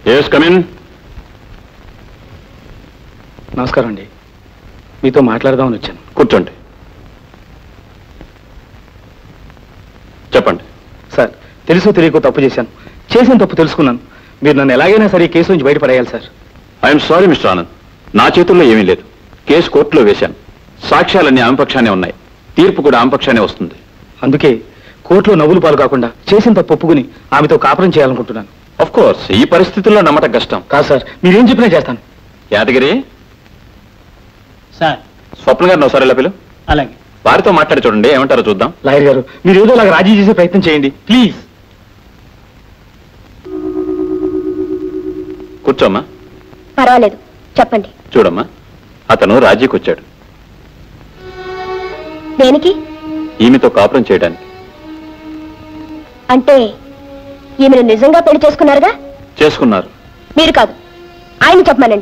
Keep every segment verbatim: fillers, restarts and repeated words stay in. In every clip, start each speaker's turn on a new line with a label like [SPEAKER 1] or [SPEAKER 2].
[SPEAKER 1] Yes come in.
[SPEAKER 2] నమస్కారం అండి, మీతో మాట్లాడదామని వచ్చాను.
[SPEAKER 1] కూర్చోండి. చెప్పండి.
[SPEAKER 2] సార్, తెలుసు తెలియకో తప్పు చేశాను. చేసిన తప్పు తెలుసుకున్నాను. మీరు నన్ను ఎలాగైనా సరే ఈ కేసు నుంచి బయటపడేయాలి sir.
[SPEAKER 1] I'm sorry mister Anand, నా చేతుల్లో ఏమీ లేదు. కేసు కోర్టులో వేశాను. సాక్ష్యాలన్నీ ఆమె పక్షానే ఉన్నాయి. తీర్పు కూడా ఆమె పక్షానే వస్తుంది.
[SPEAKER 2] అందుకే కోర్టులో నవ్వులు పాలు కాకుండా చేసిన తప్పు ఒప్పుకుని ఆమెతో కాపురం చేయాలనుకుంటున్నాను.
[SPEAKER 1] ఆఫ్ కోర్స్ ఈ పరిస్థితుల్లో నమ్మటం కష్టం.
[SPEAKER 2] కాదు సార్, మీరేం చెప్పినా చేస్తాను.
[SPEAKER 1] యాదగిరి
[SPEAKER 3] సార్.
[SPEAKER 1] స్వప్న గారిని ఒకసారి ఎలా పిలు.
[SPEAKER 3] అలాగే.
[SPEAKER 1] వారితో మాట్లాడి చూడండి, ఏమంటారో చూద్దాం.
[SPEAKER 2] లాయర్ గారు, మీరు ఏదో అలాగ రాజీ చేసే ప్రయత్నం చేయండి ప్లీజ్.
[SPEAKER 1] కూర్చోమ్మా.
[SPEAKER 4] పర్వాలేదు, చెప్పండి.
[SPEAKER 1] చూడమ్మా, అతను రాజీకి వచ్చాడు.
[SPEAKER 4] దేనికి?
[SPEAKER 1] ఈమెతో కాపురం చేయడానికి.
[SPEAKER 4] అంటే ఈమెను నిజంగా పెళ్లి చేసుకున్నారుగా?
[SPEAKER 1] చేసుకున్నారు.
[SPEAKER 4] మీరు కాదు, ఆయన చెప్పమనండి.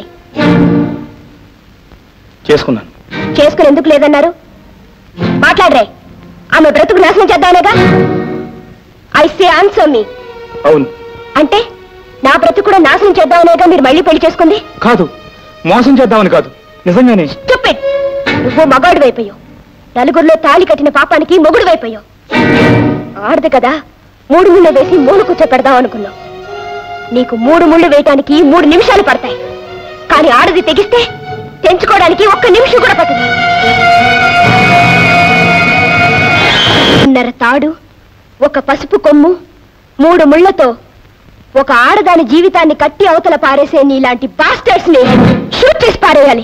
[SPEAKER 2] చేసుకున్నాను.
[SPEAKER 4] చేసుకుని ఎందుకు లేదన్నారు? మాట్లాడరే. ఆమె బ్రతుకు నాశనం చేద్దామనేగా? ఐ సే ఆన్సర్ మీ.
[SPEAKER 2] అవును.
[SPEAKER 4] అంటే నా బ్రతుకు కూడా నాశనం చేద్దామనేగా మీరు మళ్ళీ పెళ్లి చేసుకుంది?
[SPEAKER 2] కాదు, మోసం చేద్దామని కాదు, నిజంగానే.
[SPEAKER 4] స్టూపిడ్. నువ్వు మగాడు వైపోయావు. నలుగురిలో తాళి కట్టిన పాపానికి మొగుడు వైపోయావు. ఆడదు కదా, మూడు ముళ్ళు వేసి మూడు కూర్చో పెడదాం అనుకున్నావు. నీకు మూడు ముళ్ళు వేయటానికి మూడు నిమిషాలు పడతాయి, కానీ ఆడది తెగిస్తే తెంచుకోవడానికి ఒక్క నిమిషం కూడా పట్టదు. ఉన్నర తాడు, ఒక పసుపు కొమ్ము, మూడు ముళ్లతో ఒక ఆడదాని జీవితాన్ని కట్టి అవతల పారేసే నీలాంటి బాస్టర్స్ ని షూట్ చేసి పారేయాలి.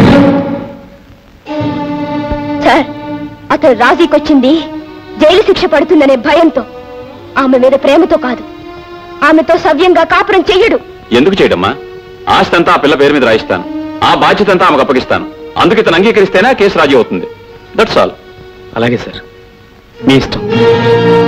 [SPEAKER 4] సార్, అతను రాజీకొచ్చింది జైలు శిక్ష పడుతుందనే భయంతో, ఆమె మీద ప్రేమతో కాదు. ఆమెతో సవ్యంగా కాపురం చెయ్యడు.
[SPEAKER 1] ఎందుకు చేయడమ్మా? ఆస్తి అంతా ఆ పిల్ల పేరు మీద రాయిస్తాను. ఆ బాధ్యత అంతా ఆమెకు అప్పగిస్తాను. అందుకే తను అంగీకరిస్తేనే కేసు రాజీ అవుతుంది. That's all.
[SPEAKER 2] అలాగే సార్, మీ ఇష్టం.